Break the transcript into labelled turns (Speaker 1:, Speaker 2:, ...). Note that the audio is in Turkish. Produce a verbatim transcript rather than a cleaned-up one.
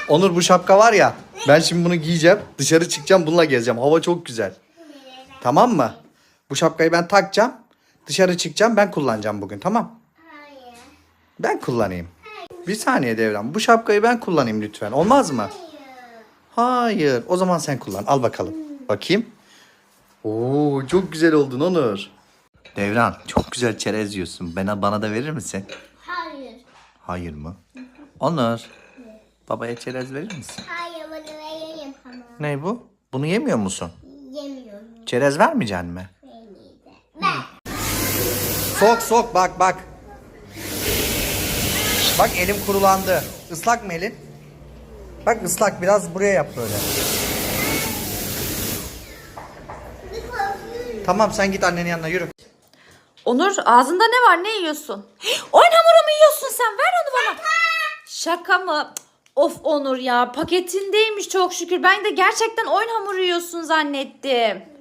Speaker 1: Onur bu şapka var ya. Ben şimdi bunu giyeceğim. Dışarı çıkacağım bununla gezeceğim. Hava çok güzel. Tamam mı? Bu şapkayı ben takacağım. Dışarı çıkacağım ben kullanacağım bugün tamam.
Speaker 2: Hayır.
Speaker 1: Ben kullanayım. Bir saniye Devran. Bu şapkayı ben kullanayım lütfen. Olmaz mı? Hayır. O zaman sen kullan. Al bakalım. Bakayım. Oo çok güzel oldun Onur. Devran çok güzel çerez yiyorsun. Bana, bana da verir misin?
Speaker 2: Hayır.
Speaker 1: Hayır mı? Onur. Babaya çerez verir misin?
Speaker 2: Hayır bunu vereyim ama.
Speaker 1: Ne bu? Bunu yemiyor musun?
Speaker 2: Yemiyorum.
Speaker 1: Çerez vermeyeceksin mi?
Speaker 2: Ben.
Speaker 1: Sok sok bak bak. Bak elim kurulandı. Islak mı elin? Bak ıslak biraz buraya yap böyle. Tamam sen git annenin yanına yürü.
Speaker 3: Onur ağzında ne var? Ne yiyorsun? Oyun hamuru mu yiyorsun sen? Ver onu bana. Şaka mı? Of Onur ya paketindeymiş çok şükür. Ben de gerçekten oyun hamuru yiyorsun zannettim.